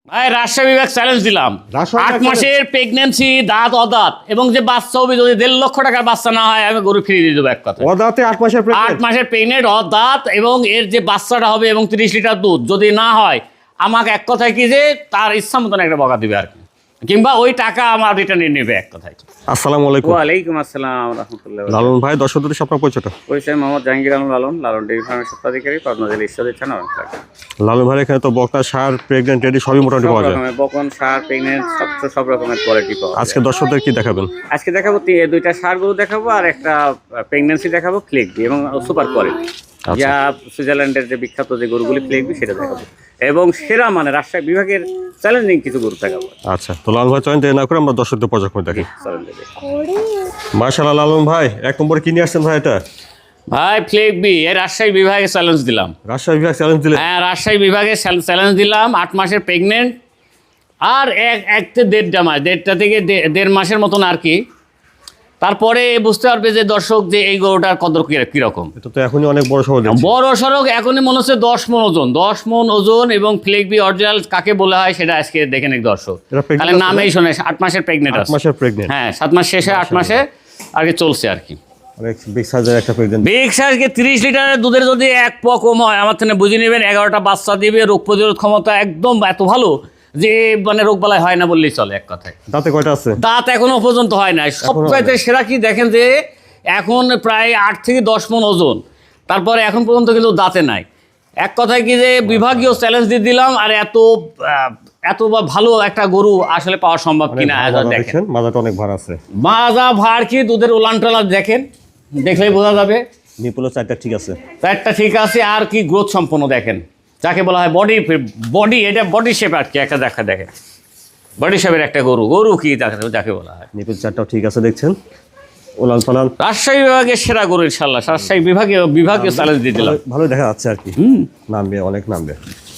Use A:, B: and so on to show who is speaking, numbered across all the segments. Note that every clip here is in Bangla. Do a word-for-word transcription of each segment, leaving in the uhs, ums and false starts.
A: ভাই রাজশাহী বিভাগ চ্যালেঞ্জ দিলাম, আট মাসের প্রেগনেন্সি, দাঁত অদাঁত এবং যে বাচ্চা হবে যদি দেড় লক্ষ টাকার বাচ্চা না হয় আমি গরু ফিরিয়ে দিয়ে দেবো। এক কথা,
B: অদাঁতে আট মাসের
A: আট মাসের প্রেগনেন্ট অদাঁত এবং এর যে বাচ্চাটা হবে এবং তিরিশ লিটার দুধ যদি না হয় আমাকে এক কথায় কি যে তার ইচ্ছা মতন একটা বকা দিবে আর কি, কিংবা ওই টাকা আমার রিটার্ন নিয়ে নেবে এক কথায়।
B: আসসালামু আলাইকুম।
A: ওয়ালাইকুম আসসালাম রাহমাতুল্লাহ।
B: লালন ভাই, দর্শকদের আপনার পরিচয়টা?
A: পরিচয় মোহাম্মদ জাহাঙ্গীর আলম লালন, লালন ডেইরি ফার্মের স্বত্বাধিকারী, পাবনা জেলা ঈশ্বরদী থানা।
B: লালন ভাই এখানে তো বকনা, ষাঁড়, প্রেগনেন্ট, রেডি সবই মোটামুটি পাওয়া যায়।
A: বকন, ষাঁড়, প্রেগনেন্ট সব সব রকমের কোয়ালিটি পাওয়া যায়।
B: আজকে দর্শকদের কি দেখাবেন?
A: আজকে দেখাবো তি- দুইটা ষাঁড় গরু দেখাবো আর একটা প্রেগনেন্সি দেখাবো, ফ্লেগবি এবং সুপার কোয়ালিটি, যা সুইজারল্যান্ডের যে বিখ্যাত যে গরুগুলি ফ্লেগবি সেটা দেখাবো এবং সেরা মানে রাজশাহী বিভাগের চ্যালেঞ্জিং কিছু গরু দেখাবো।
B: আচ্ছা, তো লালন ভাই চয়ন দেরি না করে আমরা দর্শকদের পর্যক্রমে দেখি।
A: চলেন দেখি।
B: মাশাআল্লাহ লালন ভাই, এক নম্বরে কি নিয়ে আসছেন ভাই? এটা
A: ভাই ফ্লেগবি, এই রাজশাহী বিভাগে চ্যালেঞ্জ দিলাম।
B: রাজশাহী বিভাগ চ্যালেঞ্জ দিলেন?
A: হ্যাঁ, রাজশাহী বিভাগে চ্যালেঞ্জ দিলাম। আট মাসের প্রেগনেন্ট আর এক একতে দেড়টা মাস, দেড়টা থেকে দে- দেড় মাসের মতন আর কি। তারপরে বুঝতে পারবে যে দর্শক যে এই গরুটার কদর কি- কিরকম।
B: এটা তো এখনই অনেক বড় শহর দেখছি।
A: বড় সড়ক এখনই মনে হচ্ছে দশ মন ওজন, দশ মন ওজন এবং ফ্লেগবি অরিজিনাল কাকে বলা হয় সেটা আজকে দেখে নিক দর্শক।
B: এটা pregnant
A: তাহলে
B: আছে
A: নামেই শোনে আট মাসের প্রেগনেন্ট
B: আট
A: আছে।
B: মাসের প্রেগনেন্ট,
A: হ্যাঁ, সাত মাস শেষে আট মাসে আর কি চলছে আর কি।
B: অনেক বিগ সাইজের একটা প্রেগনেন্ট।
A: বিগ সাইজকে তিরিশ লিটারের দুধের যদি এক প কম হয় আমার থেকে বুঝে নেবেন এগারোটা বাচ্চা দিবে, রোগ প্রতিরোধ ক্ষমতা একদম এত ভালো যে মানে রোগ বালাই হয় না বললেই চলে এক কথায়।
B: দাঁতে কয়টা আছে?
A: দাঁত এখনো পর্যন্ত হয় না। সবচাইতে সেরা কি দেখেন যে এখন প্রায় আট থেকে দশ মন ওজন, তারপরে এখন পর্যন্ত কিন্তু দাঁতে নাই। এক কথায় কি যে বিভাগীয় চ্যালেঞ্জ দিয়ে দিলাম। আর এত আহ, এত বা ভালো একটা গরু আসলে পাওয়া সম্ভব কিনা দেখেন।
B: দেখেন মাজাটা অনেক ভার আছে।
A: মাজা ভার কি দুধের উলান টালা দেখেন, দেখলেই বোঝা যাবে।
B: নিপুলো চারটা ঠিক আছে,
A: চারটা ঠিক আছে। আর কি গ্রোথ সম্পন্ন দেখেন, যাকে বলা হয় বডি বডি এটা বডি শেপ আর কি একটা দেখা দেখেন, বডি শেপের একটা গরু গরু কি দেখা- যাকে বলা হয়।
B: নিপুল চারটাও ঠিক আছে দেখছেন, ওলান পালান
A: রাজশাহী বিভাগের সেরা গরু ইনশাল্লাহ, রাজশাহী বিভাগীয় বিভাগীয় চ্যালেঞ্জ দিয়ে দিলাম।
B: ভালো দেখা যাচ্ছে আর কি। নামবে, অনেক নামবে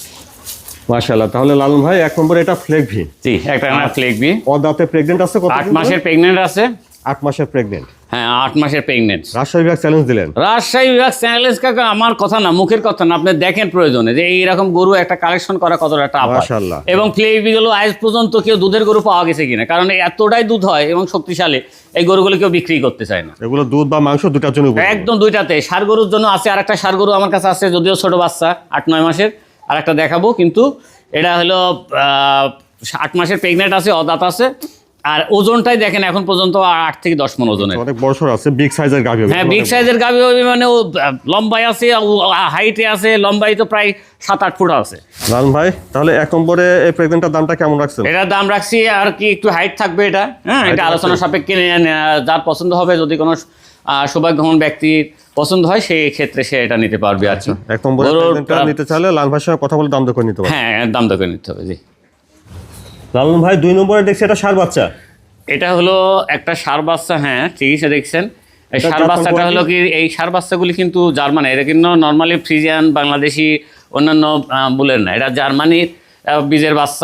B: মাশাআল্লাহ। তাহলে লালন ভাই এক নম্বরে এটা ফ্লেগভি।
A: জি, একটা না ফ্লেগবি,
B: অদাঁতে প্রেগনেন্ট আছে কত?
A: আট মাসের প্রেগনেন্ট আছে।
B: আট মাসের প্রেগনেন্ট,
A: হ্যাঁ, আট মাসের প্রেগনেন্ট।
B: রাজশাহী বিভাগ চ্যালেঞ্জ দিলেন।
A: রাজশাহী বিভাগ চ্যালেঞ্জ কাকা আমার কথা না, মুখের কথা না, আপনি দেখেন প্রয়োজনে যে এইরকম গরু একটা কালেকশন করা কতটা টাফ হয়।
B: মাশাআল্লাহ।
A: এবং ফ্লেগবিগুলো আজ পর্যন্ত কেউ দুধের গরু পাওয়া গেছে কিনা, কারণ এতটাই দুধ হয় এবং শক্তিশালী এই গরুগুলো কেউ বিক্রি করতে চায় না।
B: এগুলো দুধ বা মাংস দুটার জন্য উপযোগী।
A: একদম দুইটাতে। ষাঁড় গরুর জন্য আছে আর একটা ষাঁড় গরু আমার কাছে আছে, যদিও ছোট বাচ্চা আট নয় মাসের, আর একটা দেখাবো। কিন্তু এটা হলো আহ, আট মাসের প্রেগনেন্ট আছে, অদাঁত আছে। আর ওজনটাই দেখেন এখন পর্যন্ত আট থেকে দশ মন ওজনের।
B: অনেক বড় সড় আছে, বিগ সাইজের গাভী হবে।
A: হ্যাঁ, বিগ সাইজের গাভী হবে মানে ও আহ, লম্বায় আছে, হাইটে আছে, লম্বাই তো প্রায় সাত আট ফুট আছে।
B: লালন ভাই তাহলে এক নম্বরে এই প্রেগনেন্টটার দামটা কেমন রাখছেন?
A: এটার দাম রাখছি আর কি একটু হাইট থাকবে এটা, হ্যাঁ, এটা
B: Height
A: আলোচনা
B: আছে।
A: সাপেক্ষে নিয়ে- নিয়ে- যার পছন্দ হবে, যদি কোনো আহ, সৌভাগ্যবান ব্যক্তির পছন্দ হয় সেই ক্ষেত্রে সে এটা নিতে পারবে আর কি।
B: এক নম্বরে
A: গরুর,
B: প্রেগনেন্টটা
A: আহ,
B: নিতে চাইলে লালন ভাইয়ের সঙ্গে কথা বলে দাম দর করে নিতে পারবেন।
A: হ্যাঁ, দাম দর করে নিতে হবে। জি,
B: লালন ভাই দুই নম্বরে দেখছি এটা ষাঁড় বাচ্চা।
A: এটা হলো একটা ষাঁড় বাচ্চা। হ্যাঁ, চিকিৎসা দেখছেন। এই
B: এটা
A: ষাঁড়
B: জাতমান
A: বাচ্চাটা হলো কি, এই ষাঁড় বাচ্চাগুলি কিন্তু জার্মানি, এটা কিন্তু নর্মালি ফ্রিজিয়ান, বাংলাদেশি, অন্যান্য বুলের না, এটা জার্মানির আহ, বীজের বাচ্চা।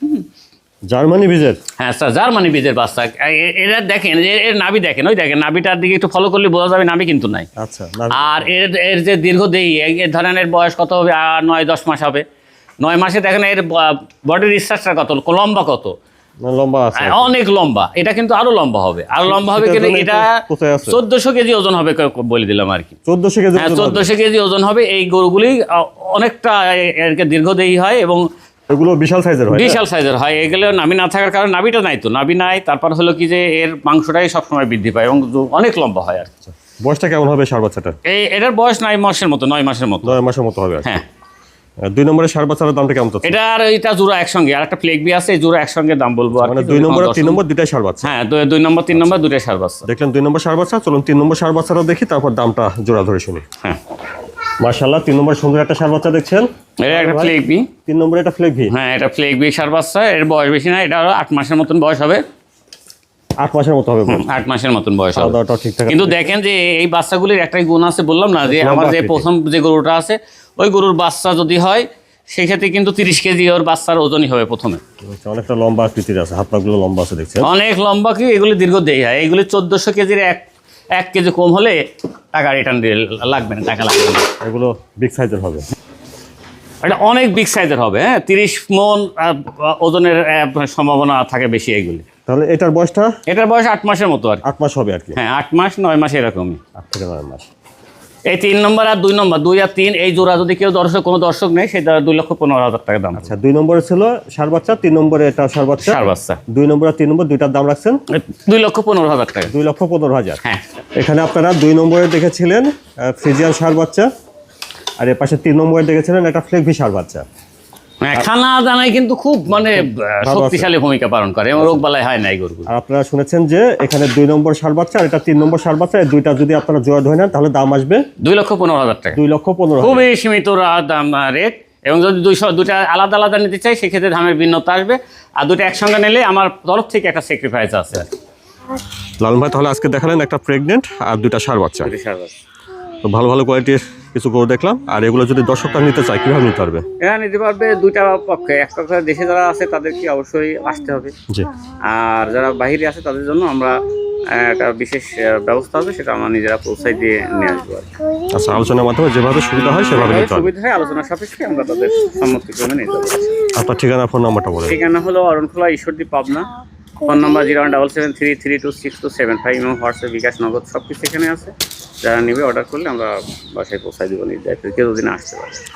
B: জার্মানি বীজের?
A: হ্যাঁ স্যার, জার্মানি বীজের বাচ্চা। এ- এরা দেখেন যে এর নাভি দেখেন, ওই দেখেন নাভিটার দিকে একটু ফলো করলে বোঝা যাবে নাভি কিন্তু নাই।
B: আচ্ছা না,
A: আর এর এর যে দীর্ঘদেহী, এই- এর ধরেন এর বয়স কত হবে, আর নয় দশ মাস হবে। নয় মাসে দেখেন এর বডির স্ট্রাকচার কত, লম্বা কত,
B: না, লম্বা আছে।
A: হ্যাঁ, অনেক লম্বা। এটা কিন্তু আরো লম্বা হবে, আরো লম্বা হবে।
B: সেটার
A: কিন্তু
B: জন্য
A: এটা
B: একটু কোথায় আছে?
A: চোদ্দশো কেজি ওজন হবে ক- বলে দিলাম আর কি।
B: চোদ্দশো কেজি
A: হ্যাঁ,
B: ওজন হবে।
A: চোদ্দশো কেজি ওজন হবে। এই গরুগুলি আহ, অনেকটা এ- এরকে দীর্ঘদেহী হয় এবং
B: এগুলো বিশাল সাইজের হয়।
A: বিশাল সাইজের হয়। এগুলো নাভি না থাকার কারণে, নাভিটা নাই তো, নাভি নাই, তারপর হলো কি যে এর মাংসটাই সবসময় বৃদ্ধি পায় এবং অনেক লম্বা হয় আর কি।
B: বয়সটা কেমন হবে ষাঁড় বাচ্চাটা?
A: এই এটার বয়স নয় মাসের মতো, নয় মাসের মতো।
B: নয় মাসের মতো হবে আর কি।
A: হ্যাঁ,
B: আর দুই নম্বরে ষাঁড় বাচ্চার দামটা কেমন তো?
A: এটা আর এটা জোড়া একসঙ্গে, আর একটা ফ্লেগবি আছে, এই জোড়া একসঙ্গে দাম বলবো আর
B: মানে
A: কি।
B: দুই
A: যদি
B: নম্বর
A: কোনো
B: আর তিন
A: দর্শক-
B: নম্বর দুটাই ষাঁড় বাচ্চা।
A: হ্যাঁ, দুই- দুই নম্বর তিন নম্বর দুটো সার বাচ্চা।
B: দেখলেন দুই নম্বর ষাঁড় বাচ্চা, চলুন তিন নম্বর ষাঁড় বাচ্চাটাও দেখি, তারপর দামটা জোড়া ধরে শুনি।
A: হ্যাঁ,
B: মাশাআল্লাহ, তিন নম্বর সুন্দর একটা ষাঁড় বাচ্চা দেখছেন।
A: এটা একটা
B: ভাই।
A: ফ্লেগবি।
B: তিন নম্বরে এটা ফ্লেগভি।
A: হ্যাঁ, এটা ফ্লেগবি সার বাচ্চা। এর বয়স বেশি না, এটা হলো আট মাসের মতন বয়স হবে।
B: আট মাসের মতো হবে বল।
A: আট মাসের মতন বয়স
B: খাওয়া
A: হবে।
B: দাওয়াটাও ঠিকঠাক আছে।
A: কিন্তু দেখেন যে এই বাচ্চাগুলির একটাই গুণ আছে, বললাম না যে
B: লম্বা
A: আমার যে
B: আকৃতি।
A: প্রথম যে গরুটা আছে ওই গরুর বাচ্চা যদি হয় সেই ক্ষেত্রে কিন্তু তিরিশ কেজি ওর বাচ্চার ওজনই হবে প্রথমে।
B: আচ্ছা, অনেকটা লম্বা আকৃতির আছে, হাত পাগুলো লম্বা আছে দেখছেন।
A: অনেক লম্বা, কি এগুলি দীর্ঘদেহী হয়। এইগুলি চোদ্দোশো কেজির এক এক কেজি কম হলে টাকা রিটার্ন দিয়ে লাগবে না, টাকা লাগবে না।
B: এগুলো বিগ সাইজের হবে।
A: এটা অনেক বিগ সাইজের হবে, হ্যাঁ, তিরিশ মন আহ, ওজনের আহ, সম্ভাবনা থাকে বেশি এইগুলি।
B: তাহলে এটার বয়সটা
A: এটার বয়স আট মাসের মতো আর কি।
B: আট মাস হবে আর কি।
A: হ্যাঁ, আট মাস নয় মাস এরকমই।
B: আট থেকে নয় মাস।
A: এই তিন নম্বর আর দুই নম্বর, দুই আর তিন এই জোড়া যদি কেউ দর্শক কোনো দর্শক নেই, সেটা দুই লক্ষ পনেরো হাজার টাকা দাম।
B: আচ্ছা, দুই নম্বরে ছিল ষাঁড় বাচ্চা, তিন নম্বরে এটা ষাঁড় বাচ্চা।
A: ষাঁড় বাচ্চা
B: দুই নম্বর আর তিন নম্বর দুইটার দাম রাখছেন
A: দুই লক্ষ পনেরো হাজার টাকা।
B: দুই লক্ষ পনেরো হাজার।
A: হ্যাঁ,
B: এখানে আপনারা দুই নম্বরে দেখেছিলেন আহ, ফ্রিজিয়ান ষাঁড় বাচ্চা, আর এর পাশে তিন নম্বরে দেখেছিলেন একটা ফ্লেগভি ষাঁড় বাচ্চা।
A: হ্যাঁ, খানা দানায় কিন্তু খুব মানে আহ,
B: ভালো আছে।
A: শক্তিশালী ভূমিকা পালন করে এবং রোগ বালাই হয় না এই গরুগুলো।
B: আর আপনারা শুনেছেন যে এখানে দুই নম্বর ষাঁড় বাচ্চা আর এটা তিন নম্বর ষাঁড় বাচ্চা, এই দুইটা যদি আপনারা জোড়া ধরে নেন তাহলে দাম আসবে
A: দুই লক্ষ পনেরো হাজার টাকা,
B: দুই লক্ষ পনেরো হাজার।
A: খুবই সীমিত রা- দাম রেট। এবং যদি দুইশো দুটা আলাদা আলাদা নিতে চাই সেক্ষেত্রে দামের ভিন্নতা আসবে, আর দুটো একসঙ্গে নিলে আমার তরফ থেকে একটা স্যাক্রিফাইস আছে।
B: লালন ভাই তাহলে আজকে দেখালেন একটা প্রেগনেন্ট আর দুইটা ষাঁড় বাচ্চা। তো ভালো ভালো কোয়ালিটির কিছু গরু দেখলাম। আর এগুলো যদি দর্শকরা নিতে চায় কীভাবে নিতে পারবে?
A: এরা নিতে পারবে দুইটা পক্ষে, এক পক্ষে দেশে যারা আছে তাদেরকে অবশ্যই আসতে হবে,
B: জি,
A: আর যারা বাইরে আছে তাদের জন্য আমরা আহ, একটা বিশেষ আহ, ব্যবস্থা হবে, সেটা আমরা নিজেরা পৌঁছাই দিয়ে নিয়ে আসবো আর কি।
B: আচ্ছা, আলোচনার মাধ্যমে যেভাবে সুবিধা হয় সেভাবে নিতে হবে।
A: সুবিধা হয় আলোচনা সাপেক্ষে আমরা তাদের সম্মতিক্রমে নিয়ে যাবো।
B: আপনার ঠিকানা, ফোন নাম্বারটা বলে দিন।
A: ঠিকানা হলো Arankhola Ishwardi Pabna, phone number zero one double seven three three two six two seven five এবং হোয়াটসঅ্যাপ বিকাশ নগদ সব কিছু এখানে আছে। যারা নেবে অর্ডার করলে আমরা বাসায় পৌঁছায় দেবো নির্ধারিত, কেউ যদি না আসতে পারে।